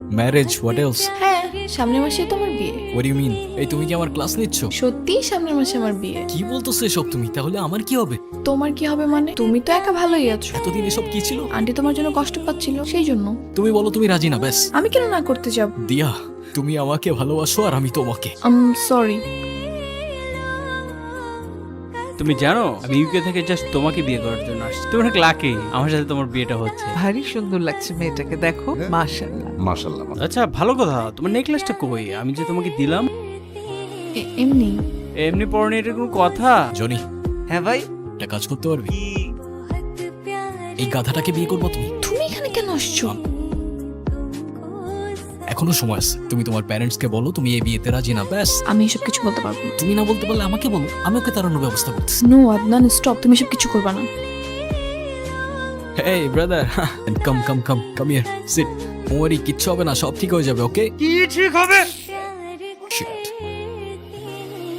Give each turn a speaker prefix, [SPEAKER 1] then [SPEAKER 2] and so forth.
[SPEAKER 1] Marriage what else?
[SPEAKER 2] হ্যাঁ, সামনের মাসেই তো আমার বিয়ে।
[SPEAKER 1] What you mean? এই তুমি কি আমার ক্লাস নিচ্ছ?
[SPEAKER 2] সত্যি সামনের মাসে আমার বিয়ে।
[SPEAKER 1] কি বলতেছো এসব তুমি? তাহলে আমার কি হবে?
[SPEAKER 2] তোমার কি হবে মানে? তুমি তো একা ভালোই আছো।
[SPEAKER 1] এতদিন এসব কি ছিল?
[SPEAKER 2] আন্টি তোমার জন্য কষ্ট পাচ্ছিল, সেই জন্য।
[SPEAKER 1] তুমি বলো তুমি রাজি না, ব্যাস।
[SPEAKER 2] আমি কেন না করতে যাব?
[SPEAKER 1] দিয়া, তুমি আমাকে ভালোবাসো আর আমি তোমাকে।
[SPEAKER 2] সরি।
[SPEAKER 3] তুমি জানো আমি ইউকে থেকে জাস্ট তোমাকে বিয়ে করার জন্য আসছি। তুমি অনেক লাকি আমার সাথে তোমার বিয়েটা হচ্ছে।
[SPEAKER 4] ভারী সুন্দর লাগছে মেয়েটাকে, দেখো মাশাআল্লাহ।
[SPEAKER 5] মাশাআল্লাহ।
[SPEAKER 3] আচ্ছা ভালো কথা, তোমার নেকলেসটা কই? আমি যে তোমাকে দিলাম
[SPEAKER 2] এমনি।
[SPEAKER 3] এমনি পরনে, এটার কোনো কথা?
[SPEAKER 1] জনি,
[SPEAKER 4] হ্যাঁ ভাই,
[SPEAKER 1] একটা কাজ করতে পারবি? এই গাধাটাকে বিয়ে করবো তুমি?
[SPEAKER 2] তুমি এখানে কেন আসছো?
[SPEAKER 1] এখনো সময় আছে। তুমি তোমার প্যারেন্টস কে বলো তুমি এই বিয়েতে রাজি না, ব্যাস।
[SPEAKER 2] আমি এসব কিছু বলতে পারবো না।
[SPEAKER 1] তুমি না বলতে পারলে আমাকে বলো, আমি ওকে তাড়ানোর ব্যবস্থা করতেছি।
[SPEAKER 2] No Adnan, stop. তুমি এসব কিছু করবা না।
[SPEAKER 1] Hey brother, come here, sit. ওরি কিচ্ছু হবে না, সব ঠিক হয়ে যাবে, ওকে?
[SPEAKER 3] কি ঠিক হবে?